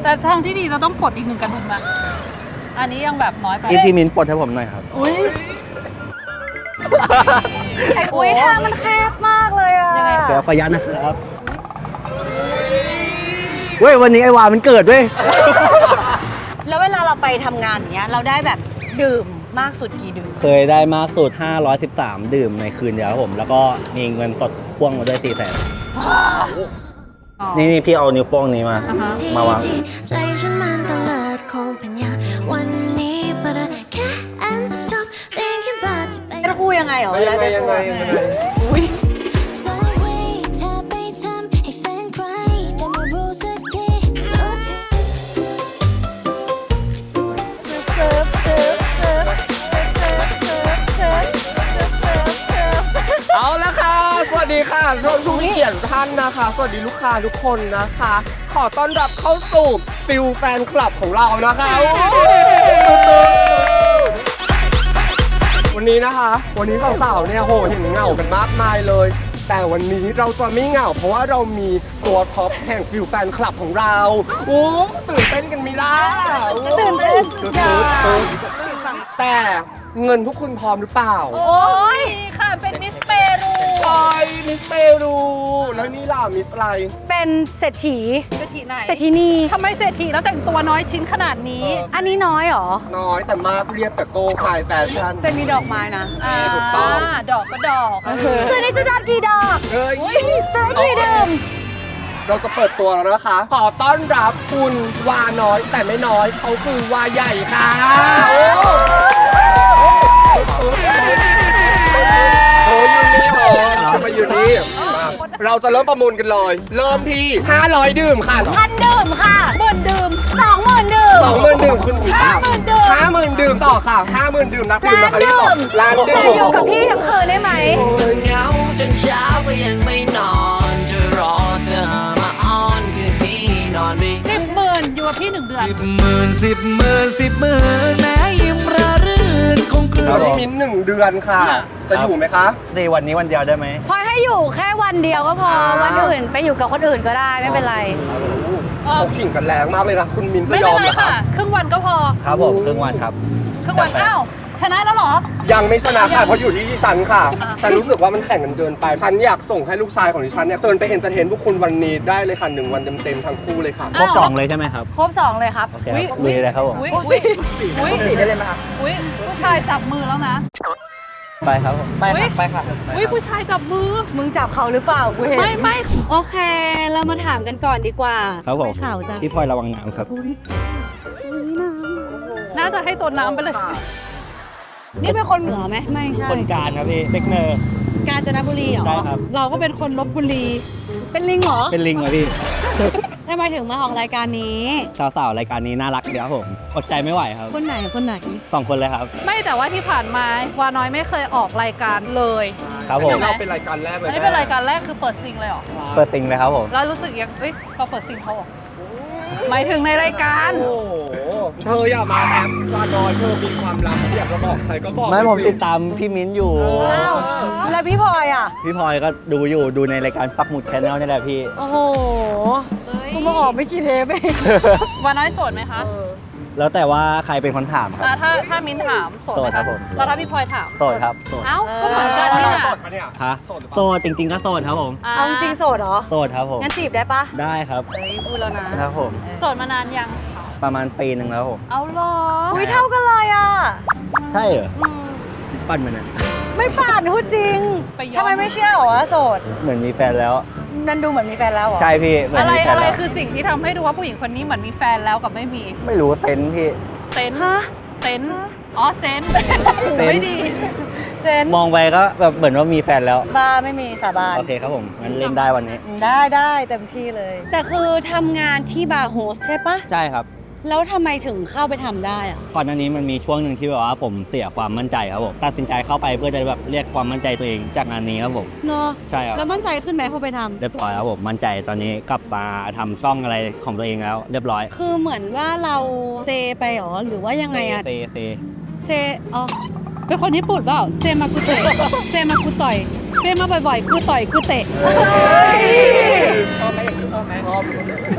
แต่ทางที่ดีเราต้องปลดอีก1 กระดุมอะอันนี้ยังแบบน้อยไปพี่มินปลดให้ผมหน่อยครับอุ้ยไอ้อุ้ยทางมันแคบมากเลยอ่ะเดี๋ยวขออนุญาตนะครับเว้ยวันนี้ไอ้วามันเกิดเว้ยแล้วเวลาเราไปทำงานอย่างเงี้ยเราได้แบบดื่มมากสุดกี่ดื่มเคยได้มากสุด513ดื่มในคืนเดียวครับผมแล้วก็มีเงินสดพ่วงมาด้วย400,000นี่พี่เอานิ้วโป้งนี้มาวางใจฉันมันตลอดคงเป็นอย่างวันนี้ but I can't stop thinking about you เป็นคู่ยังไงเหรอเวลาเป็นคู่อุ้ยเอาละค่ะสวัสดีค่ะทุกเกียรติท่านนะคะสวัสดีลูกค้าทุกคนนะคะขอต้อนรับเข้าสู่ฟิลแฟนคลับของเรานะคะวันนี้นะคะวันนี้สาวๆเนี่ยโหเห็นเหงากันมากมายเลยแต่วันนี้เราจะไม่เหงาเพราะว่าเรามีตัวท็อปแห่งฟิลแฟนคลับของเราตื่นเต้นกันไหมล่ะตื่นเต้นแต่เงินพวกคุณพร้อมหรือเปล่าโอ้ยค่ะเป็นมิสเปรูใช่มิสเปรูแล้วนี่ล่ะมิสอะไรเป็นเศรษฐีไหนเศรษฐีนีทำไมเศรษฐีแล้วแต่งตัวน้อยชิ้นขนาดนี้อันนี้น้อยหรอน้อยแต่มากเรียบแต่โก้ขายแฟชั่นจะมีดอกไม้นะถูกต้องดอกก็ดอกคืนนี้จะดัดกี่ดอกจะได้กี่ดื่มเราจะเปิดตัวแล้วนะคะขอต้อนรับคุณวาน้อยแต่ไม่น้อยเขาคือวาใหญ่ค่ะจะมาอยู่นี่เราจะเริ่มประมูลกันเลยเริ่มที่500ดื่มค่ะ 1,000ดื่มค่ะ10,000ดื่ม20,000ดื่ม 20,000ดื่มคุณผี50,000ดื่มต่อค่ะ50,000ดื่มนักดื่มนะคะที่2ล้านดื่มอยู่กับพี่ทั้งคืนได้ไหมเหงาจนเช้าก็ยังไม่นอนจะรอเธอมาอ้อนคืนนี้นอนไม่ 10,000อยู่กับพี่1 เดือน 10,000แม้ยิ้มระรื่นคงกลืนแล้วนี่มิ้น1 เดือนค่ะจะอยู่ไหมคะ 4วันนี้วันเดียวได้ไหมพอให้อยู่แค่วันเดียวก็พอวันอื่นไปอยู่กับคนอื่นก็ได้ไม่เป็นไรเขาขิงกันแรงมากเลยนะคุณมิ้นจะยอมเหรอคะครึ่งวันก็พอครับผมครึ่งวันครับครึ่งวันอ้าวชนะแล้วเหรอยังไม่ชนะค่ะเพราะอยู่ที่ดิฉันค่ะฉันรู้สึกว่ามันแข่งกันเกินไปฉันอยากส่งให้ลูกชายของดิฉันเนี่ยเชิญไปเอนเตอร์เทนพวกคุณวันนี้ได้เลยค่ะ1 วันเต็มๆทั้งคู่เลยค่ะครบ2เลยใช่ไหมครับครบ2เลยครับลุยเลยครับผม 4ได้เลยไหมคะผู้ชายจับมือแล้วนะไปครับไปค่ะผู้ชายจับมือมึงจับเขาหรือเปล่ากูเห็นไม่โอเคเรามาถามกันก่อนดีกว่าครับผมพี่พลอยระวังน้ำครับน่าจะให้ตัวน้ำไปเลยนี่เป็นคนเหนือไหมไม่ใช่คนกาญครับพี่เด็กเนอร์กาญจนบุรีเหรอใช่ครับเราก็เป็นคนลพบุรีเป็นลิงเหรอเป็นลิงเหรอพี่ทำไมถึงมาออกรายการนี้สาวๆรายการนี้น่ารักเดี๋ยวผมอดใจไม่ไหวครับคนไหน 2 คนเลยครับไม่แต่ว่าที่ผ่านมาวาน้อยไม่เคยออกรายการเลยครับผมเราเป็นรายการแรกเลยอันนี้เป็นรายการแรกคือเปิดซิงเลยเหรอเปิดซิงเลยครับผมแล้วรู้สึกยังพอเปิดซิงเขาหมายถึงในรายการโอ้เธออย่ามาแอปวาน้อยเธอมีความลับอยากจะบอกใครก็บอกไม่ผมติดตามพี่มิ้นอยู่แล้วพี่พลอยอ่ะพี่พลอยก็ดูอยู่ดูในรายการปักหมุดแชนแนลนี่แหละพี่โอ้โหคุณมาออกไม่กี่เทปเองวาน้อยโสดไหมคะแล้วแต่ว่าใครเป็นคนถามครับถ้ามิ้นถามโสดไหมครับผมแล้วถ้าพี่พลอยถามโสดครับเอ้าก็เหมือนกันนี่โสดปะเนี่ยฮะโสดจริงๆก็โสดครับผมเอาจริงโสดเหรอโสดครับผมงั้นจีบได้ปะได้ครับพูดแล้วนะครับผมโสดมานานยังประมาณปีนึงแล้วผมเอาหรออุ้ยเท่ากันเลยอ่ะใช่เหรอปั่นมันนะไม่ปั่นพูดจริงทำไมไม่เชื่อหรอว่าโสดเหมือนมีแฟนแล้วนั่นดูเหมือนมีแฟนแล้วเหรอใช่พี่อะไรคือสิ่งที่ทำให้ดูว่าผู้หญิงคนนี้เหมือนมีแฟนแล้วกับไม่มีไม่รู้เซนพี่เซนอ๋อเซนไม่ดีมองไปก็แบบเหมือนว่ามีแฟนแล้วบ้าไม่มีสาบานโอเคครับผมงั้นเล่นได้วันนี้ได้เต็มที่เลยแต่คือทำงานที่บาร์โฮสใช่ปะใช่ครับแล้วทำไมถึงเข้าไปทำได้อะก่อนหน้านี้มันมีช่วงหนึ่งที่แบบว่าผมเสียความมั่นใจครับผมตัดสินใจเข้าไปเพื่อจะแบบเรียกความมั่นใจตัวเองจากงานนี้ครับผมเนาะใช่ครับแล้วมั่นใจขึ้นไหมพอไปทำเรียบร้อยครับผมมั่นใจตอนนี้กลับมาทำซ่องอะไรของตัวเองแล้วเรียบร้อยคือเหมือนว่าเราเซไปหรอหรือว่ายังไงอะเซอ๋อเป็นคนญี่ปุ่นเปล่าเซมากุเตะเซมากุต่อยเซมาบ่อยๆกูต่อยกูเตะชอบไหมอย่างนี้ชอบไหมชอบ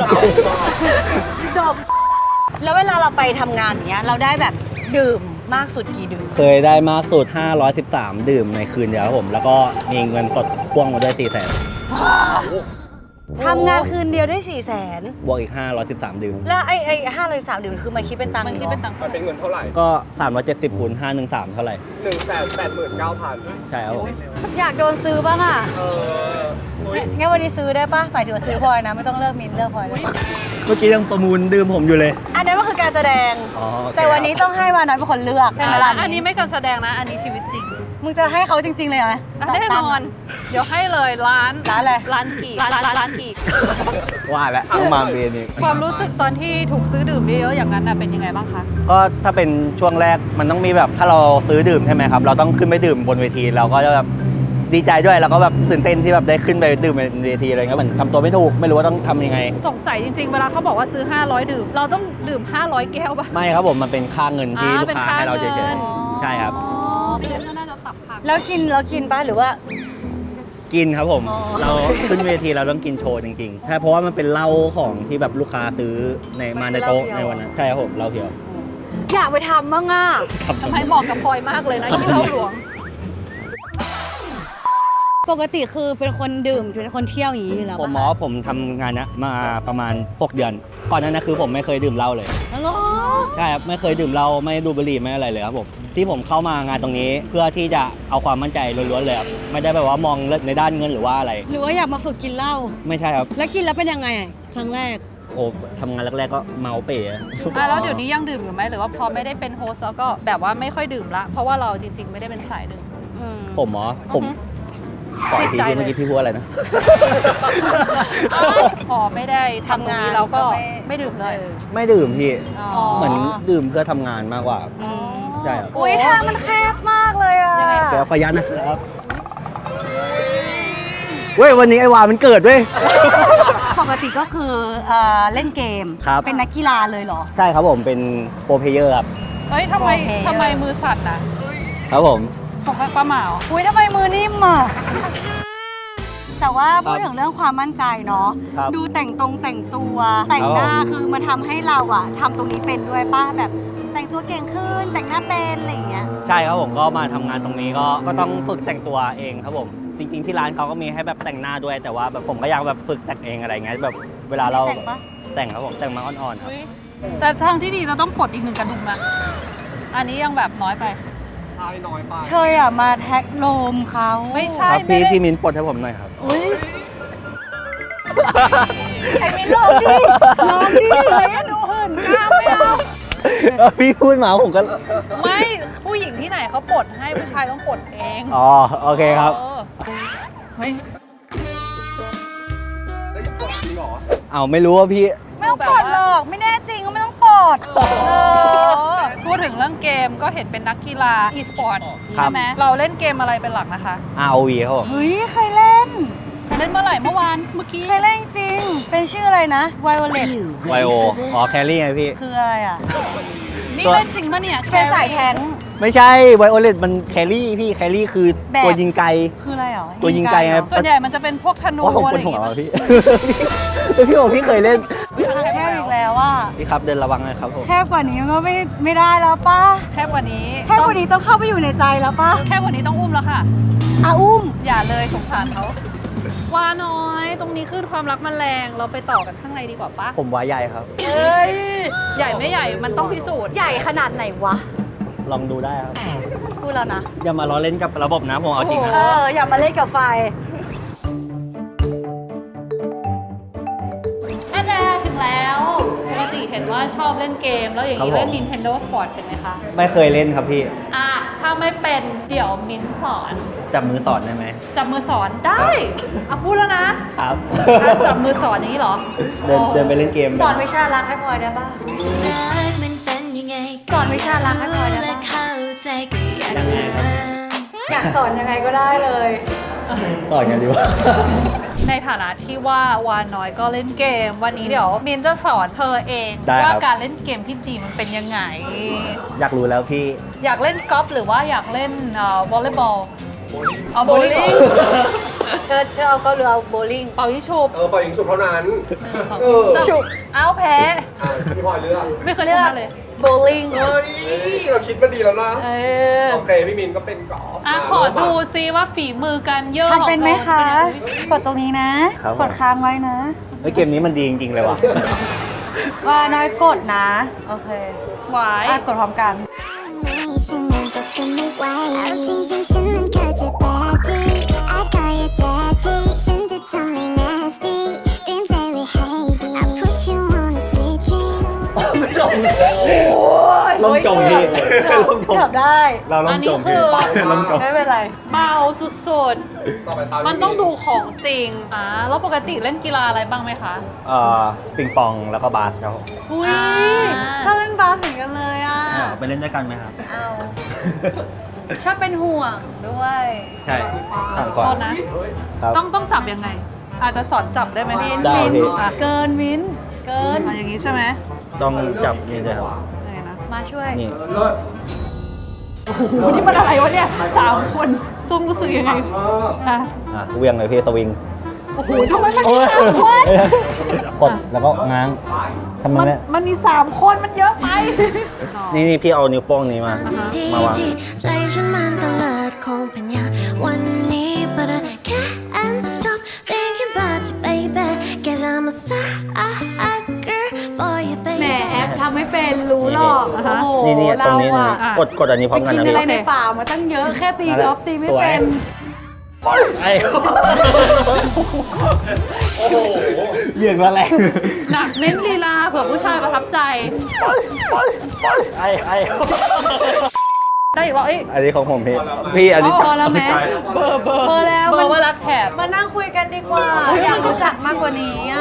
จบแล้วเวลาเราไปทำงานอย่างเงี้ยเราได้แบบดื่มมากสุดกี่ดื่มเคยได้มากสุด 513 ดื่มในคืนเดียวครับผม แล้วก็มีเงินสดพ่วงมาด้วย 400,000 ทำงานคืนเดียวได้400,000 บวกอีก 513 ดื่มแล้วไอ้513ดื่มคือมันคิดเป็นตังค์มันคิดเป็นตังค์มันเป็นเงินเท่าไหร่ก็ 370คูณ513 เท่าไหร่ 189,000 ใช่ครับผมอยากโดนซื้อบ้างอ่ะเอออุ๊ยงั้นวันนี้ซื้อได้ปะฝ่ายถือว่าซื้อพลอยนะไม่ต้องเลิกมินเลิกพลอยเลยเมื่อกี้ยังประมูลดื่มผมอยู่เลยอันนั้นก็คือการแสดงอ๋อโอเคแต่วันนี้ต้องให้วาน้อยเป็นคนเลือกใช่ไหมล่ะอันนี้ไม่การแสดงนะ อันนี้ชีวิตจริงมึงจะให้เขาจริง ๆ เลยเหรอแน่นอน เดี๋ยวให้เลยร้านร้านอะไรร้านกีกร้านกีกว่าแล้วต้องมาเบนนี่ความรู้สึกตอนที่ถูกซื้อดื่มเยอะๆอย่างนั้นน่ะเป็นยังไงบ้างคะก็ถ้าเป็นช่วงแรกมันต้องมีแบบถ้าเราซื้อดื่มใช่ไหมครับ เราต้องขึ้นไปดื่มบนเวทีเราก็จะแบบดีใจด้วยแล้วก็แบบตื่นเต้นที่แบบได้ขึ้นไปดื่มบนเวทีอะไรเงี้ยเหมือนทำตัวไม่ถูกไม่รู้ว่าต้องทำยังไงสงสัยจริงๆ เวลาเขาบอกว่าซื้อ 500 ดื่ม เราต้องดื่ม 500 แก้วป่ะไม่ครับผมมันเป็นค่าเงินที่ลูกเป็นค้าค่าให้เราเงิเฉยนๆใช่ครับอ๋อเดี๋ยวน่าจะตับผักแล้วกินปะหรือว่ากินครับผมอ๋อเราขึ้นเวทีเราต้องกินโชว์จริงๆใช่เพราะว่ามันเป็นเหล้าของที่แบบลูกค้าซื้อมาในโต๊ะในวันนั้นใช่ครับผมเหล้าเพียวอยากไปทำบ้างอ่ะครับทำไมเหมาะกับพลอยมากเลยนะกินเหล้าหลวงปกติคือเป็นคนดื่มเป็นคนเที่ยวอย่างนี้อยู่แล้วผมปะหมอผมทำงานเนี้ยมาประมาณ 6 เดือน ก่อนหนั้นนะคือผมไม่เคยดื่มเหล้าเลยฮัลโหลใช่ครับไม่เคยดื่มเหล้าไม่ดูดบุหรี่ไม่อะไรเลยครับผมที่ผมเข้ามางานตรงนี้เพื่อที่จะเอาความมั่นใจล้วนๆเลยครับไม่ได้แบบว่ามองในด้านเงินหรือว่าอะไรหรือว่าอยากมาฝึกกินเหล้าไม่ใช่ครับแล้วกินแล้วเป็นยังไงอะครั้งแรกโอ้ทำงานแรกๆก็เมาเป๋อะแล้วเดี๋ยวนี้ยังดื่มอยู่ไหมหรือว่าพอไม่ได้เป็นโฮสต์แล้วก็แบบว่าไม่ค่อยดื่มละ เพราะว่าเราจริงๆ ไม่ได้เป็นสายดื่มผมหมอผมปล่อยทีติดใจที่เมื่อกี้พี่พูดอะไรนะพอไม่ได้ทำตรงนี้เราก็ไม่ดื่มเลยไม่ดื่มพี่อ๋อเหมือนดื่มเพื่อทำงานมากกว่า ใช่ครับอุ้ยทางมันแคบมากเลยอ่ะยังไงเดี๋ยวขอยันนะครับเว้ยวันนี้ไอ้วามันเกิดเว้ยปกติก็คือเล่นเกมครับเป็นนักกีฬาเลยเหรอใช่ครับผมเป็นโปรเพลเยอร์ครับเฮ้ยทำไมโอเคทำไมมือสั่นอ่ะครับผมของป้าเหมาอุ้ยทำไมมือนิ่มอ่ะ แต่ว่าพูดถึงเรื่องความมั่นใจเนาะครับดูแต่งตัว แต่งหน้าครับผมคือมาทำให้เราอะทำตรงนี้เป็นด้วยป้าแบบแต่งตัวเก่งขึ้น แต่งหน้าเป็นอะไรอย่างเงี้ยใช่ครับผมก็มาทำงานตรงนี้ก็ต้องฝึกแต่งตัวเองครับผมจริง ๆที่ร้านเขาก็มีให้แบบแต่งหน้าด้วย แต่ว่าแบบผมก็อยากแบบฝึกแต่งเองอะไรเงี้ยแบบเวลาเราแต่งปะแต่งครับผมแต่งมาอ่อนๆครับแต่ทางที่ดีเราต้องปลดอีกหนึ่งกระดุมนะอันนี้ยังแบบน้อยไปใช่น้อยไปเธออะมาแท็กโลมเขาไม่ใช่ครับไม่ได้พี่มิ้นปลดให้ผมหน่อยครับอุ้ยไอ้มิ้นลองดิลองดิเลยอะดูหื่นกล้ามไม่เอาพี่พูดมาผมก็ไม่ผู้หญิงที่ไหนเขาปลดให้ผู้ชายต้องปลดเองอ๋อโอเคครับเออเฮ้ยได้ปลดจริงเหรอเอาไม่รู้ว่าพี่ไม่ต้องปลดหรอกไม่แน่จริงก็ไม่ต้องปลดพูดถึงเรื่องเกมก็เห็นเป็นนักกีฬา e-sport ครับใช่ไหมเราเล่นเกมอะไรเป็นหลักนะคะ ROV ครับผมเฮ้ยเคยเล่นเคยเล่นเมื่อไหร่เมื่อวานเมื่อกี้เคยเล่นจริง เป็นชื่ออะไรนะ Violet ไวโออ๋อแครี่ไงพี่คืออะไรอ่ะนี่เล่นจริงปะเนี่ยเป็นสายแทงค์ไม่ใช่ไวโอเลตมันแครี่พี่แครี่คือแบบตัวยิงไกลคืออะไรหรอตัวยิงไกลไงเหรอส่วนใหญ่มันจะเป็นพวกธนูว่าผมอะไรปอวดย่างหัวเงี้ยพี่ พี่บอกพี่เคยเล่นแคบอีกแล้วอ่ะพี่ครับเดินระวังนะครับผมแคบกว่านี้มันก็ไม่ได้แล้วป้าแค่กว่านี้แคบกว่านี้ต้องเข้าไปอยู่ในใจแล้วป้าแค่กว่านี้ต้องอุ้มแล้วค่ะอาอุ้มอย่าเลยสงสารเขาว่าน้อยตรงนี้ขึ้นความรักมันแรงเราไปต่อกันข้างในดีกว่าปะผมว่าใหญ่ครับเอ้ยใหญ่ไม่ใหญ่มันต้องพิสูจน์ใหญ่ขนาดไหนวะลองดูได้ครับพูดแล้วนะอย่ามาล้อเล่นกับระบบนะผมเอาจริงนะอย่ามาเล่นกับไฟอันแรกถึงแล้วปกติเห็นว่าชอบเล่นเกม แล้วอย่างนี้เล่น Nintendo Sport เป็นไหมคะไม่เคยเล่นครับพี่ถ้าไม่เป็นเดี๋ยวมิ้นสอนจับมือสอนได้ไหมจับมือสอนได้พูดแล้วนะครับ จับมือสอนอย่างนี้เหรอเดินไปเล่นเกมสอนวิชารักให้พลอยได้ป่ะรักมันเป็นยังไงสอนวิชารักให้พลอยได้และป่ะเข้าใจก็อยากยังไงจะครับอยากสอนยังไงก็ได้เลยสอนกันดีกว่าในฐานะที่ว่าวานน้อยก็เล่นเกม วันนี้เดี๋ยวมินจะสอนเธอเองได้ครับว่าการเล่นเกมที่ดีมันเป็นยังไงอยากรู้แล้วพี่อยากเล่นกอล์ฟหรือว่าอยากเล่นวอลเลย์บอลเอาโบลิ่งเธอเอาเกาหรือเอาโบลิ่งเป่ายิงฉุบปล่อยยิงสุดเท่านั้น 1 2 เออฉุบอ้าวแพ้พี่พลอยเลือกไม่เคยชนะเลยโบลิ่งเฮ้ยเราคิดมาดีแล้วนะเออโอเคพี่มินก็เป็นกอล์ฟขอดูซิว่าฝีมือการเยอะทำเป็นไหมคะของเรากดตรงนี้นะครับผมกดค้างไว้นะเฮ้ยเกมนี้มันดีจริงๆเลยว่ะว่าน้อยกดนะ โอเคหวายกดพร้อมกันฉันมันจะทนไม่ไหวเอาจริงๆฉันมันเคยจะ daddy I call you daddy ฉันจะทำให้ nasty เตรียมใจไว้ให้ดี I put you on a sweet dream ล่มจมพี่ล่มจมเกือบได้เราล่อัมนจนี้มคืพี่อล่มจมไม่เป็นไรเบาสุดต่อไปตามๆ มันต้องดูของจริงแล้วปกติเล่นกีฬาอะไรบ้างไหมคะปิงปองแล้วก็บาสครับผมอุ้ยชอบเล่นบาสเหมือนกันเลยอ่ะไปเล่นด้วยกันไหมครับเอา ชอบเป็นห่วงด้วยใช่ต่างก่อนโทษนะครับต้องจับยังไง อาจจะสอนจับได้ไหมมินได้มินพี่เกินมินเกินอย่างนี้ใช่ไหมต้องจับนี่ด้วยครับยังไงนะมาช่วยนี่เลิศโอ้โหนี่มันอะไรวะเนี่ย3 คนซุ่มรู้สึกยังไงอ่ะเวียงเลยพี่สวิงโอ้โหทำไมมันโอ้มีย 3 คนกดแล้วก็ง้างทำไมเนี่ยมันมี3 คนมันเยอะไปนี่พี่เอานิ้วโป้งนี้มาที่มาวางที่ใจฉันมันตะเลิดคงเป็นอย่างวันนี้ but I can't stop thinking about you baby cause I'm a sucker for you แหม baby แอปทำไม่เป็นรู้หรอกนี่โอ้โหนี่ตรงนี้เรานี่อะกดอันนี้พร้อมกันกินนะอะพี่ไรในป่ามาตั้งเยอะแค่ตีนั่นแหละกอล์ฟตีไม่สวยเป็นไอ้เบี่ยงละแรงหนักเน้นลีลาเผื่อผู้ชายประทับใจไอ้ได้อีกว่าเอ้ยอันนี้ของผมพี่อันนี้พอแล้วแม่เบอร์พอแล้วเบอมันร์ว่ารักแขกมานั่งคุยกันดีกว่า อยากรู้จักมากกว่านี้อ่ะ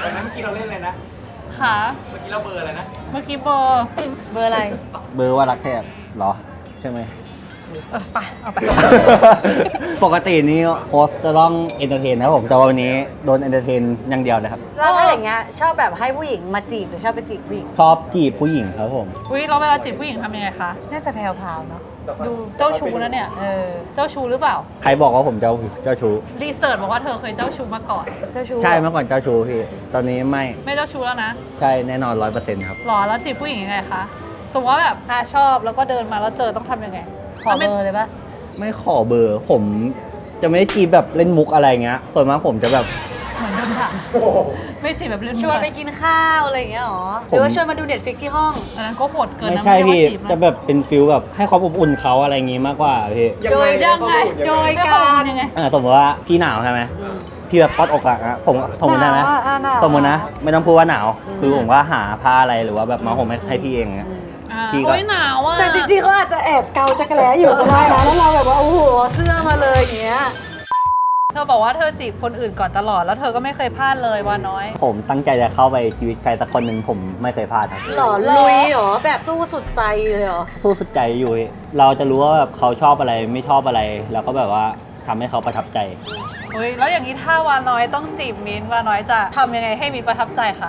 ค่ะเมื่อกี้เราเบอร์อะไรนะ เมื่อกี้เบอร์เบอร์อะไรเบอร์ว่ารักแทบเหรอใช่ไหมไปเอาไปปกตินี้โฮสต์จะต้องเอนเตอร์เทนนะครับผมแต่ว่าวันนี้โดนเอนเตอร์เทนอย่างเดียวเลยครับแล้วถ้าอย่างเงี้ยชอบแบบให้ผู้หญิงมาจีบหรือชอบไปจีบผู้หญิงชอบจีบผู้หญิงครับผมอุ้ยเราเวลาจีบผู้หญิงทำยังไงคะน่าจะแพรวๆเนาะดูเจ้าชู้นะเนี่ย เจ้าชู้หรือเปล่าใครบอกว่าผมเจ้าชู้รีเสิร์ชบอกว่าเธอเคยเจ้าชู้มาก่อนเจ้าชู้ใช่เมื่อก่อนเจ้าชู้พี่ ตอนนี้ไม่ไม่เจ้าชู้แล้วนะใช่แน่นอน100%ครับหรอแล้วจีบผู้หญิงยังไงคะ สมมติว่าแบบชอบแล้วก็เดินมาแล้วเจอต้องทำยังไงขอเบอร์เลยปะไม่ขอเบอร์ ผมจะไม่ได้จีบแบบเล่นมุกอะไรเงี้ยส่วนมากผมจะแบบเหมือนเดิมค่ะไม่จีบแบบเล่นชวนไปกินข้าวอะไรอย่างเงี้ยหรอ หรือว่าชวนมาดูเน็ตฟิกที่ห้องอันนั้นก็โหดเกินไม่นะใช่ไม่พี่ได้ว่าจีบจะนะแบบเป็นฟิลแบบให้ความอบอุ่นเขาอะไรอย่างงี้มากกว่าพี่โดยยังไงโดยการยังไงสมมติว่าพี่หนาวใช่ไหมพี่แบบกอดอกอะผมสมมติได้ไหมหนาวอะหนาวสมมตินะ ไม่ต้องพูดว่าหนาว คือผมก็หาผ้าอะไรหรือว่าแบบมาห่มให้พี่เองอะ พี่ก็โอ้ยหนาวอ่ะแต่จริงๆเขาอาจจะแอบเกาจักรแล้อยู่ก็ได้นะ แล้วเราแบบว่า โอ้โห เสื้อมาเลยอย่างเงี้ยเธอบอกว่าเธอจีบคนอื่นก่อนตลอดแล้วเธอก็ไม่เคยพลาดเลยว่าน้อยผมตั้งใจจะเข้าไปชีวิตใครสักคนหนึ่งผมไม่เคยพลาดครับหล่อลุยเหรอ แบบสู้สุดใจเลยเหรอสู้สุดใจอยู่พี่เราจะรู้ว่าแบบเขาชอบอะไรไม่ชอบอะไร แล้วก็แบบว่าทำให้เขาประทับใจเฮ้ยแล้วอย่างนี้ถ้าวาน้อยต้องจีบมิ้นท์วาน้อยจะทำยังไงให้มิ้นท์ประทับใจคะ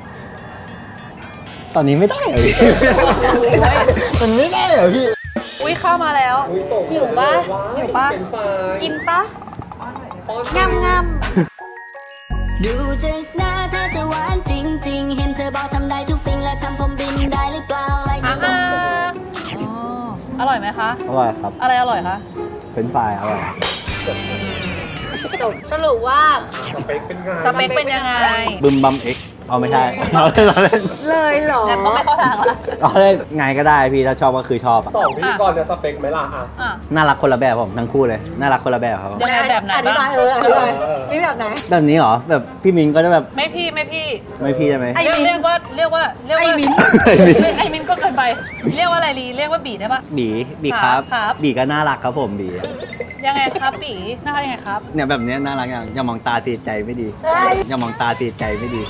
ตอนนี้ไม่ได้เหรอพี่ มันไม่ได้เหรอพี่อุ้ยเข้ามาแล้วหิวปะหิวปะกินปะงามงามดูจากหน้าถ้าจะหวานจริง ๆ เห็นเธอบอกทำได้ทุกสิ่งและทำผมบินได้หรือเปล่าอะไรอ่าฮะอ๋ออร่อยไหมคะอร่อยครับอะไรอร่อยคะเป็นไฟรายอร่อยจบสรุปว่าสเปคเป็นไงสเปคเป็นยังไงบึมบัมเอ็กเอาไม่ใช่ เราเล่นเราเล่นเลยเหรอแต่ก็ไม่เข้าทางละเราเล่นไงก็ได้พี่ถ้าชอบก็คือชอบอะสองพิธีกรเนี่ยสเปคไหมล่ะอ่ะอ่ะน่ารักคนละแบบผมทั้งคู่เลยน่ารักคนละแบบครับผมยังไงแบบไหนอธิบาบ้าย งอธิบายนี่แบบไหนแบบนี้เหรอแบบพี่มินก็จะแบบไม่พี่ไม่พี่ไม่พี่ใช่ไหมไอ้เรียกว่าไอ้มิ้นไอ้มิ้นไอ้มิ้นก็เกินไป เรียกว่าอะไรลีเรียกว่าบีได้ปะบีครับครับบีก็น่ารักครับผมบียังไงครับบีน่ารักยังไงครับเนี่ยแบบเนี้ยน่ารักอย่างอย่ามองตาตีใจไม่ดีอย่ามองตาตีใจไม่ดี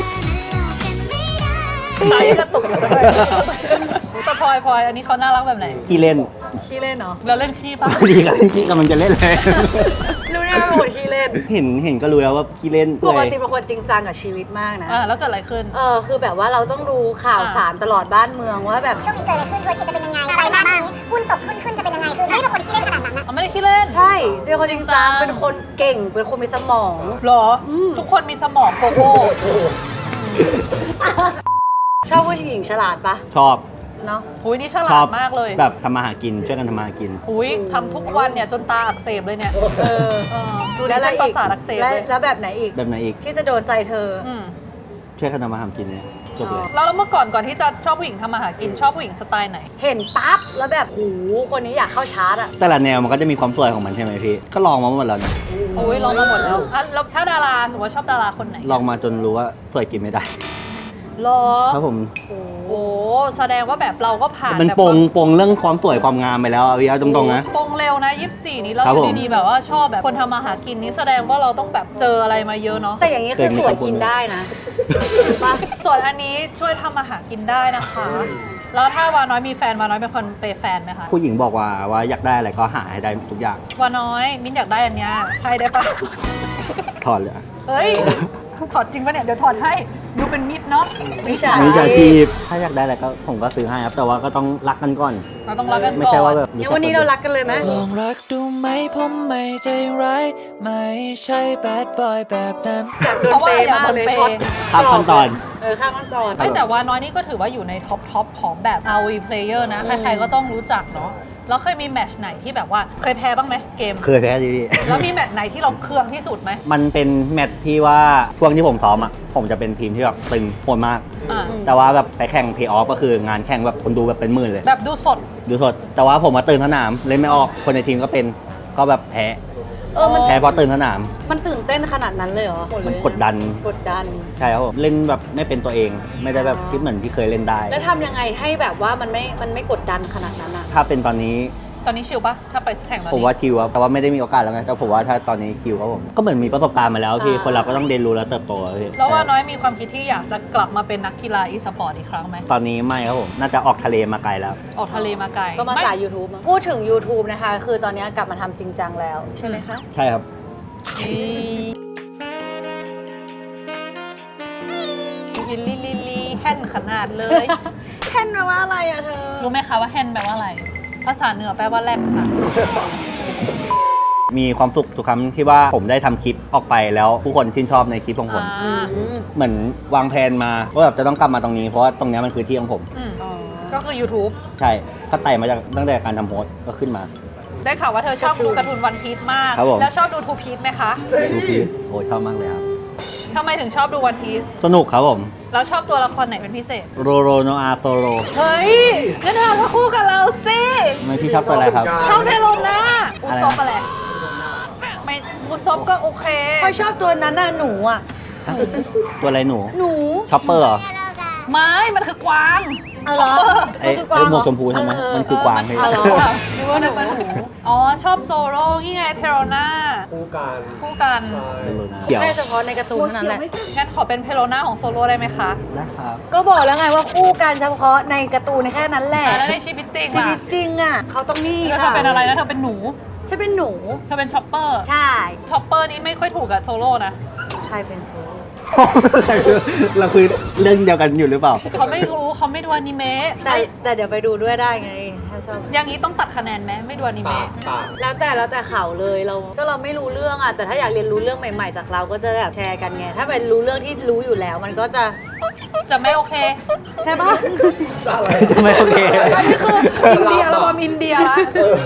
ตายกระตุกจังเลยแต่พลอยอันนี้เขาน่ารักแบบไหนขี้เล่นขี้เล่นเนาะเราเล่นขี้ปะดีกันขี้กำลังจะเล่นเลยรู้ได้ว่าเป็นคนขี้เล่นเห็นก็รู้แล้วว่าขี้เล่นปกติเป็นคนจริงจังกับชีวิตมากนะแล้วเกิดอะไรขึ้นคือแบบว่าเราต้องดูข่าวสารตลอดบ้านเมืองว่าแบบช่วงนี้เกิดอะไรขึ้นธุรกิจจะเป็นยังไงรายได้นี้หุ้นตกขึ้นจะเป็นยังไงคือไม่ได้เป็นคนที่ขี้เล่นขนาดนั้นนะไม่ได้ขี้เล่นใช่เป็นคนจริงจังเป็นคนเก่งเป็นคนมีสมองเหรอทุกคนมีสมองโกโก้ชอบผู้หญิงฉลาดปะชอบเนาะอุ้ยนี่ฉลาชอดบมากเลยแบบทำมาหากินช่วยกันทำมาหากินอุ้ยทำทุกวันเนี่ยจนตาอักเสบเลยเนี่ยดูดิแล้วเส้นประสาทอักเสบเลยแล้วแบบไหนอีกแบบไหนอีกที่จะโดนใจเธออืมช่วยกันทำมาหากินเนี่ยจบเลยแล้วเมื่อก่อนที่จะชอบผู้หญิงทำมาหากินชอบผู้หญิงสไตล์ไหนเห็นปั๊บแล้วแบบโหคนนี้อยากเข้าชาร์จอะแต่ละแนวมันก็จะมีความสวยของมันใช่ไหมพี่ ก็ลองมาหมดแล้วนะโอ้ยลองมาหมดแล้วแล้วถ้าดาราสมมติว่าชอบดาราคนไหนลองมาจนรู้ว่าสวยกินไม่ได้หรอครับผมโอ้แสดงว่าแบบเราก็ผ่านมันแบบโปงเรื่องความสวยความงามไปแล้วอะพี่เอาตรงๆนะปงเร็วนะ24นี้เราครับอผมยู่ดีๆแบบว่าชอบแบบคนทำมาหากินนี้แสดงว่าเราต้องแบบเจออะไรมาเยอะเนาะแต่อย่างนี้คือสวยกินได้นะปะส่วนอันนี้ช่วยทำมาหากินได้นะคะ แล้วถ้าวาน้อยมีแฟนวาน้อยเป็นคนเปย์แฟนไหมคะผู้หญิงบอกว่าอยากได้อะไรก็หาให้ได้ทุกอย่างวาน้อยมิ้นอยากได้อันเนี้ยให้ได้ปะถอดเลยอะเฮ้ยถอดจริงปะเนี่ยเดี๋ยวถอดให้ดูเป็นมิตรเนาะวิชามีชาชีพถ้าอยากได้อะไรก็ผมก็ซื้อให้ครับ แต่ว่าก็ต้องรักกันก่อนเราต้องรักกันไม่ก่ใช่อว่าน แบบงั้นวันนี้เรารักกันเลยไหมลองรักดูไหมผมไม่ใจร้าย ไม่ใช่แบดบอยแบบนั้นอยากโดเพนราะว่าเปย์อยากมากโดนเลยเปย์ช็อตข้ามขั้นตอนข้ามขั้นตอนไม่แต่ว่าน้อยนี่ก็ถือว่าอยู่ในท็อปของแบบ ROV player นะ ใครๆก็ต้องรู้จักเนาะแล้วเคยมีแมตช์ไหนที่แบบว่าเคยแพ้บ้างไหมเกมเคยแพ้ดิพี่แล้วมีแมตช์ไหนที่เราเคืองที่สุดไหมมันเป็นแมตช์ที่ว่าช่วงที่ผมซ้อมอ่ะ ผมจะเป็นทีมที่แบบตึงโหดมากอ่าแต่ว่าแบบไปแข่งเพย์ออฟก็คืองานแข่งแบบคนดูแบบเป็นหมื่นเลยแบบดูสดดูสด แต่ว่าผมมาตื่นสนามเล่นไม่ออก คนในทีมก็เป็นก็แบบแพ้มันแพ้เพราะตื่นสนามมันตื่นเต้นขนาดนั้นเลยเหรอมันกดดันกดดันใช่ครับผมเล่นแบบไม่เป็นตัวเอง ไม่ได้แบบคิดเหมือนที่เคยเล่นได้แล้วทำยังไงให้แบบว่ามันไม่กดดันขนาดนั้นอะถ้าเป็นตอนนี้ตอนนี้ชิลปะถ้าไปแข่งตอนผมนี้ว่าคิวครับแต่ว่าไม่ได้มีโอกาสแล้วไงแต่ผมว่าถ้าตอนนี้คิวครับผมก็เหมือนมีประสบการณ์มาแล้วพี่คนเราก็ต้องเรียนรู้และเติบโตอะพี่แล้วว่าน้อยมีความคิดที่อยากจะกลับมาเป็นนักกีฬาอีสปอร์ตอีกครั้งไหมตอนนี้ไม่ครับผมน่าจะออกทะเลมาไกลแล้วออกทะเลมาไกลก็มาสาย YouTube มั้งพูดถึง YouTube นะคะ คือตอนนี้กลับมาทำจริงจังแล้วใช่ไหมคะใช่ครับยินลีแฮนขนาดเลยแค่นแปลว่าอะไรอะเธอรู้ไหมคะว่าแฮนแปลว่าอะไร ภาษาเหนือแปลว่าแรกค่ะมีความสุขทุกครั้งที่ว่าผมได้ทำคลิปออกไปแล้วผู้คนชื่นชอบในคลิปของผม เหมือนวางแผนมาว่าแบบจะต้องกลับมาตรงนี้เพราะว่าตรงนี้มันคือที่ของผมก็คือ YouTube ใช่ก็ไต่มาจากตั้งแต่การทำโพสต์ก็ขึ้นมาได้ข่าวว่าเธอชอบดูการ์ตูนวันพีชมากครับผมแล้วชอบดูทูพีชไหมคะดูพี่โอ้ยชอบมากเลยครับทำไมถึงชอบดูวันพีชสนุกครับผมแล้วชอบตัวละครไหนเป็นพิเศษโรโรโนอาโซโรเฮ้ยงั้นเธอก็คู่กับเราสิไม่พี่ชอบตัวอะไรครับชอบเทโลนาอุซบอะไรไม่อุซบก็โอเคพอชอบตัวนั้นน่ะหนูอะฮะตัวอะไรหนูหนูช็อปเปอร์เหรอไม่ มันคือกวางเอาเหรอไอ้หมวกชมพูใช่ไหมมันคือกวางใช่ไหมเอาเหรอนึกว่านั่นเป็นหนูอ๋อ ชอบโซโล่นี่ไงเพโรนาคู่กันคู่กันเกี่ยวแค่เฉพาะในการ์ตูนเท่านั้นแหละงั้นขอเป็นเพโรนาของโซโล่ได้ไหมคะนะครับก็บอกแล้วไงว่าคู่กันเฉพาะในการ์ตูนแค่นั้นแหละแล้วในชีวิตจริงชีล่ะวิตจริงอะเขาต้องนี่แล้วเธอค่ะเป็นอะไรนะเธอเป็นหนูฉันเป็นหนูเธอเป็นช็อปเปอร์ใช่ช็อปเปอร์นี่ไม่ค่อยถูกกับโซโล่นะใครเป็นโซโล่เราคุยเรื่องเดียวกันอยู่หรือเปล่าเขาไม่รู้เขาไม่ดูอนิเมะแต่เดี๋ยวไปดูด้วยได้ไง ถ้าชอบอย่างนี้ต้องตัดคะแนนไหมไม่ดูอนิเมะแล้วแต่เขาเลยเราไม่รู้เรื่องอ่ะ แต่ถ้าอยากเรียนรู้เรื่องใหม่ๆจากเราก็จะแบบแชร์กันไง ถ้าเป็นรู้เรื่องที่รู้อยู่แล้วมันก็จะจะไม่โอเคใช่ปะไม่โอเคอันนี้คืออินเดียแล้วมาอินเดียละ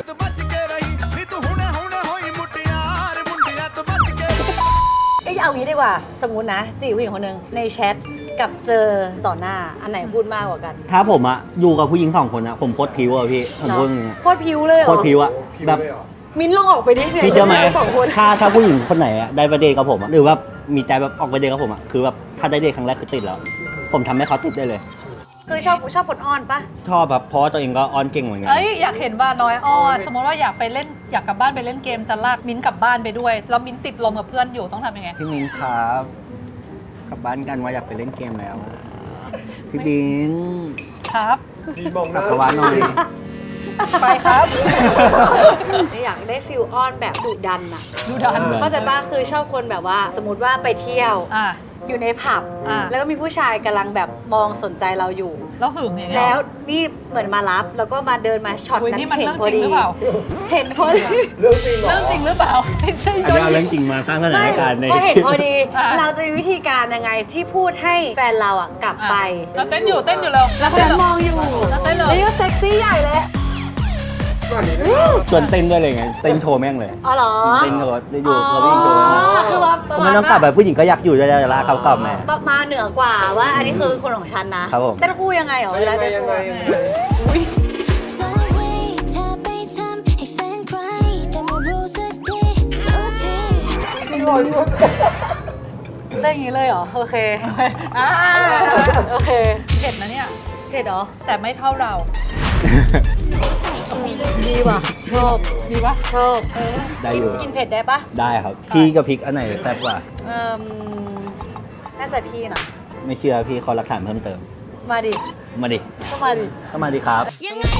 เอ้ยเอางี้ดีกว่า สมมุตินะจีบผู้หญิงคนหนึ่งในแชทกับเจอต่อหน้าอันไหนพูดมากกว่ากันถ้าผมอะอยู่กับผู้หญิง2 คนอะผมโคตรพิวอะพี่ผมพูดจริงๆอะโคตรพิวเลยเหรอโคตรพิวอะแบบมิ้นลองออกไปดิเนี่ยพี่เชื่อไหมสองคนถ้าผู้หญิงคนไหนอะได้ไปเดทกับผมอะหรือว่ามีใจแบบออกไปเดทกับผมอะคือแบบถ้าได้เดทครั้งแรกคือติดแล้ว ผมทำให้เขาติดได้เลยคือชอบคนอ้อนปะชอบแบบเพราะว่าตัวเองก็อ้อนเก่งเหมือนกันเอ้ยอยากเห็นว่าน้อยอ้อน สมมติว่าอยากไปเล่นอยากกลับบ้านไปเล่นเกมจะลากมิ้นท์กลับบ้านไปด้วยแล้วมิ้นท์ติดลมกับเพื่อนอยู่ต้องทำยังไงพี่มิ้นครับกลับบ้านกันว่าอยากไปเล่นเกมแล้ว พี่บินครับมีมองหกลัน้าบเข้าบ้านหน่อยไปครับอยากได้ฟิลอ้อนแบบดุดันอะดูดันแบบเข้าใจปะคือชอบคนแบบว่า สมมติว่าไปเที่ยวอ่ะอยู่ในผับอ่าแล้วก็มีผู้ชายกำลังแบบมองสนใจเราอยู่แล้วหึงอย่างเงี้ยแล้วนี่เหมือนมารับแล้วก็มาเดินมาช็อตอุ๊ยนั้นนี่มันเห็นเรื่องพอจริงดีหรือเปล่าเห็นพอดีเรื่องจริงเหรอเรื่องจริงหรือเปล่าไม่ใช่อันนี้เอาเรื่องจริงมาสร้างสถานการณ์ในพอเห็นพอดีอ่ะเราจะมีวิธีการยังไงที่พูดให้แฟนเราอ่ะกลับไปเราเต้นอยู่เต้นอยู่แล้วแล้วคนนั้นมองอยู่แล้วเต้นเลยนี่ก็เซ็กซี่ใหญ่เลยก่อนนี้ได้ส่วนเต้นด้วยเลยไง เต้นโชว์แม่งเลยอ๋อเหรอเต้นโชว์อยู่เขาวิ่งโชว์แม่งเลยคือว่าเขาไม่ต้องกลับแบบผู้หญิงก็อยากอยู่ด้วยจะลากเขากลับมามาเหนือกว่าว่าอันนี้คือคนของฉันนะครับผมเต้นคู่ยังไงเหรอเวลาเต้นคู่ยังไง Sorry เธอไปทำให้แฟนใครแต่ไม่รู้สึกดีสักทีเต้นอย่างนี้เลยเหรอโอเคอ่าโอเคเผ็ดนะเนี่ยเสร็จเหรอแต่ไม่เท่าเราดีว่ะชอบดีปะชอบได้อยู่กินเผ็ดได้ปะได้ครับ พี่กับพริกอันไหนแซ่บกว่าเอ่มน่าจะพี่นะไม่เชื่อพี่ขอหลักฐานเพิ่มเติมมาดิมาดิก็มาดิก็มาดิครับ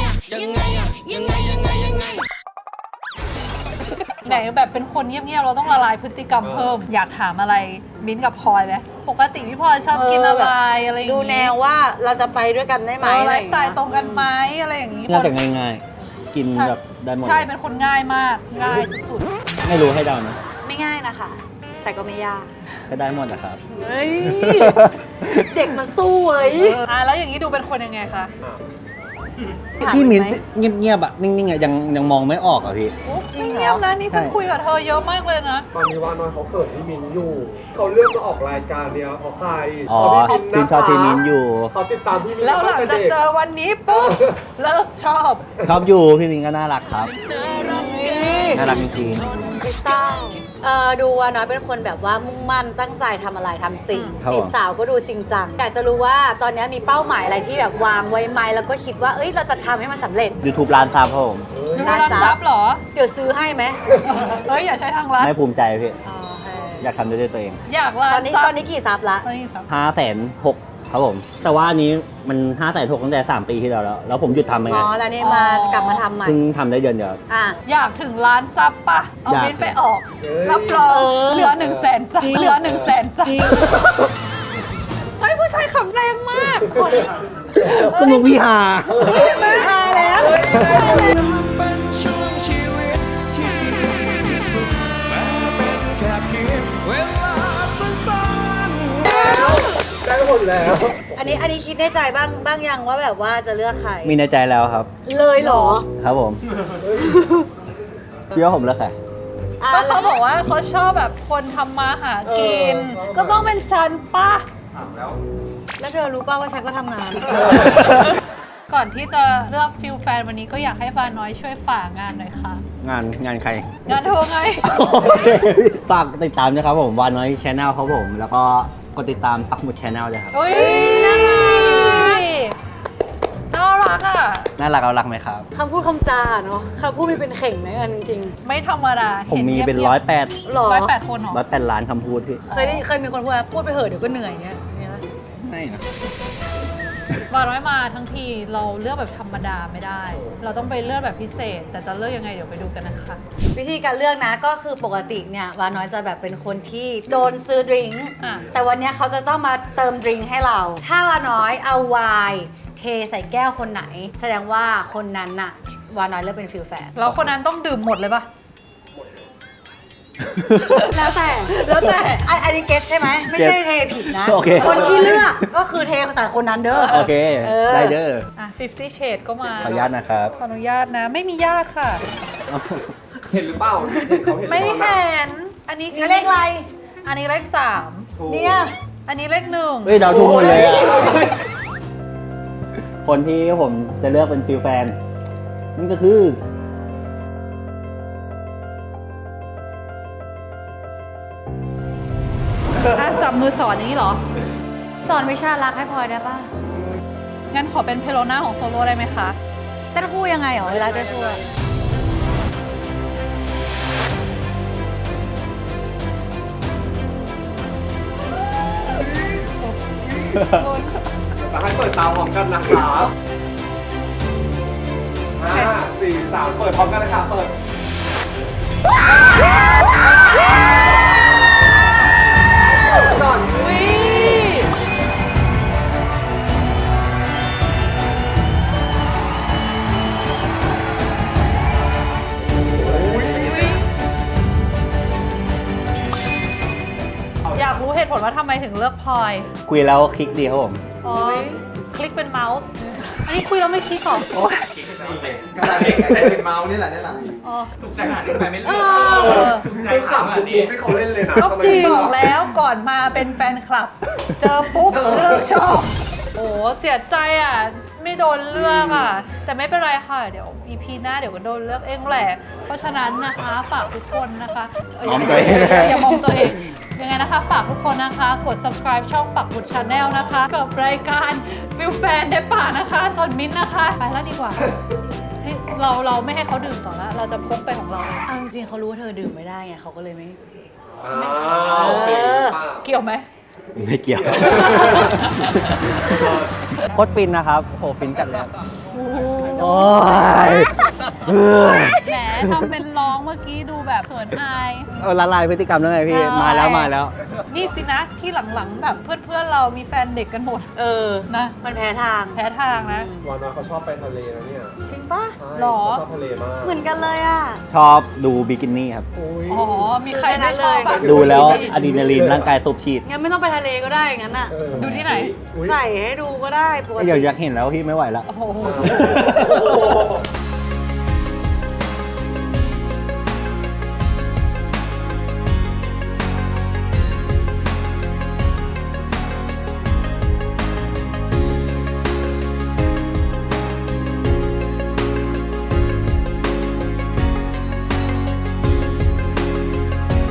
ไหนแบบเป็นคนเงียบๆเราต้องละลายพฤติกรรมเพิ่ม อยากถามอะไรมิ้นท์กับพลอยไหมปกติพี่พลอยชอบกินอะไรอะไรอย่างดูงี้แนวว่าเราจะไปด้วยกันได้ไหมไลฟ์สไตล์ตรงกันไหมอะไรอย่างงี้น่าจะง่ายๆ กินแบบได้หมดใช่เป็นคนง่ายมากง่ายสุดไม่รู้ให้เดานะไม่ง่ายนะคะ แต่ก็ไม่ยากก็ได้หมดนะครับเฮ้ย เด็กมันสู้เว้ยๆแล้วอย่างนี้ดูเป็นคนยังไงคะพี่มิ้นถาเงียบๆอะนิ่งๆอะยังมองไม่ออกอะพี่จริงเหรอเงียบนะนี่ฉันใช่คุยกับเธอเยอะมากเลยนะตอนนี้ว่าน้อยเขาเขินพี่มินอยู่ เขาเลือกมาออกรายการเนี้ยเพราะใครอ๋อเพราะพี่ชื่นชอบพี่มิ้นอยู่เขาติดตามพี่มินแล้วหลังจากเจอวันนี้ปุ๊บเลิกชอบชอบอยู่พี่มิ้นก็น่ารักครับ น่ารักจริงไม่ต้องดูว่าน้อยเป็นคนแบบว่ามุ่งมั่นตั้งใจทำอะไรทำสิ่งครับจีบสาวก็ดูจริงจังอยากจะรู้ว่าตอนนี้มีเป้าหมายอะไรที่แบบวางไว้ไหมแล้วก็คิดว่าเอ้ยเราจะทำให้มันสำเร็จๆ YouTube ร้านซับครับผมดูร้านซับเหรอเดี๋ยวซื้อให้ไหมเฮ้ยอย่าใช้ทางลัดไม่ภูมิใจพี่อ๋อโอเคอยากทำด้วยตัวเองอยากร้าตอน นนี้ซับตอนนี้กี่ซับละตอนนี้ซับ 506,000ครับผม แต่ว่าอันนี้มัน 506,000ตั้งแต่ 3 ปีที่แล้ว แล้วผมหยุดทำไปอ๋ไงอแล้วนี่มากลับมาทำใหม่เพิ่งทำได้เดือนเดียวอ่ะอยากถึงล้านซับปะเอาอยากมิ้นท์ไปออก รับรองเออเหลือ100,000ซับเหลือ100,000ซับเฮ้ยผู้ชายขำแรงมากคนก็มึงพี่หาทายแล้วเป็นช่วงชีวิตที่ดีที่สุดแม้เป็นแค่เพียงเวลาสั้นๆได้หมดแล้วอันนี้คิดในใจบ้างยังว่าแบบว่าจะเลือกใครมีในใจแล้วครับเลยเหรอครับผมพี่ว่าผมเลือกใครอ่ะก็เขาบอกว่าเขาชอบแบบคนทำมาหากิน ก็ต้องเป็นฉันปะแล้วเธอรู้ป่าว่าฉันก็ทำงานก่อนที่จะเลือกฟิลแฟนวันนี้ก็อยากให้ฟ้าน้อยช่วยฝากงานหน่อยค่ะงานใครงานเธอไงฝากติดตามนะครับผมวานน้อยชแนลครับผม แล้วก็กดติดตามปักหมุดชแนลด้วยครับอุ้ยน่ารักอ่ะน่ารักเอารักไหมครับคำพูดคำจาเนาะคำพูดมีเป็นเข่งนะอันจริงไม่ธรรมดาผมมีเป็นห็ 108 ๆหรอ 108 คนเหรอ 108 ล้านคำพูดพี่เคยมีคนพูดว่าพูดไปเหอะเดี๋ยวก็เหนื่อยอย่างเงี้ยนะไม่นะวาน้อยมาทั้งทีเราเลือกแบบธรรมดาไม่ได้ เราต้องไปเลือกแบบพิเศษ แต่จะเลือกยังไงเดี๋ยวไปดูกันนะคะวิธีการเลือกนะก็คือปกติเนี่ยวาน้อยจะแบบเป็นคนที่โดนซื้อดริงก์อ่ะแต่วันเนี้ยเขาจะต้องมาเติมดริงก์ให้เรา ถ้าวาน้อยเอาไวน์เทใส่แก้วคนไหน แสดงว่าคนนั้นน่ะวาน้อยเลือกเป็นฟิลแฟนแล้วคนนั้นต้องดื่มหมดเลยปะแล้วแต่อันนี้เก็ตใช่ไหมไม่ใช่เทผิดนะโอเคคนที่เลือกก็คือเทใส่คนนั้นเด้อโอเคเออได้เด้ออ่ะ50 Shades ก็มาขออนุญาตนะครับขออนุญาตนะ ไม่มีญาติค่ะเห็นหรือเปล่าเห็นเขาเห็นไม่หรือเปเห็ล่านอันนี้นี่เลขอะไรอันนี้เลขเนี่ย 3 อันนี้เลข 1 เฮ้ยเดาถูกหมดเลยอะคนที่ผมจะเลือกเป็นฟิลแฟน นั่นก็คือจับมือสอนอย่างนี้เหรอสอนวิชารักให้พลอยได้ป่ะงั้นขอเป็นเพโลน่าของโซโล่ได้ไหมคะเต้นคู่ยังไงเหรอเวลาเต้นคู่อะจะให้เปิดตาพร้อมกันนะครับ5 4 3 เปิดพร้อมกันนะครับเปิด ก่อนอุ้ยว่าทำไมถึงเลือกพลอยคุยแล้วคลิกดีครับผมอ๋อ คลิกเป็นเมาส์ อันนี้คุยแล้วไม่คลิกหรอก็ได้เป็นเมาส์นี่แหละนี่แหละอ๋อถูกใจขนาดนี้ไปไม่เลืเออกอถูกใจคือขนาดขำทุกนี้มุกที่เขาเล่นเลยนะก็ทำไมบอกแล้วก่อนมาเป็นแฟนคลับ เจอปุ๊บเลิกชอบ โอ้เสียใจอ่ะ ไม่โดนเลือกอ่ะ แต่ไม่เป็นไรค่ะ เดี๋ยว EP หน้าเดี๋ยวก็โดนเลือกเองแหละ เพราะฉะนั้นนะคะฝากทุกคนนะคะมองตัวเองอย่ามองตัวเอง ยังไงนะคะ ฝากทุกคนนะคะ กด subscribe ช่องปักบุตร Channel นะคะ กับรายการฟิลแฟนได้ป่านะคะส่วนมิ้นท์นะคะ ไปแล้วดีกว่าให้เราไม่ให้เขาดื่มต่อแล้ว เราจะพกไปของเราเองเอาจริงๆเขารู้ว่าเธอดื่มไม่ได้ไงเขาก็เลยไม่อ้าวเป็นหรือเปล่าเกี่ยวไหมไม่เกี่ยว โคตรฟินนะครับโหฟินจัดเลยครับโอ้ยเฮ้ยแหมทำเป็นร้องเมื่อกี้ดูแบบเขินอายละลายพฤติกรรมแล้วไงพี่ มาแล้วมาแล้วนี่สินะที่หลังๆแบบเพื่อนๆเรามีแฟนเด็กกันหมดเออนะมันแพ้ทางแพ้ทางนะวานอยเขาชอบไปทะเลนะเนี่ยจริงปะใช่หรอเขาชอบทะเลมากเหมือนกันเลยอ่ะชอบดูบิกินี่ครับโอ้ยอ๋อ มีใครไม่ชอบอะดูแล้วอะดรีนาลีนร่างกายสูบฉีดงั้นไม่ต้องไปทะเลก็ได้งั้นอ่ะเออดูที่ไหนอุ๊ยใส่ให้ดูก็ได้ปกติอยากเห็นแล้วพี่ไม่ไหวแล้วโอ้โหโอ้โห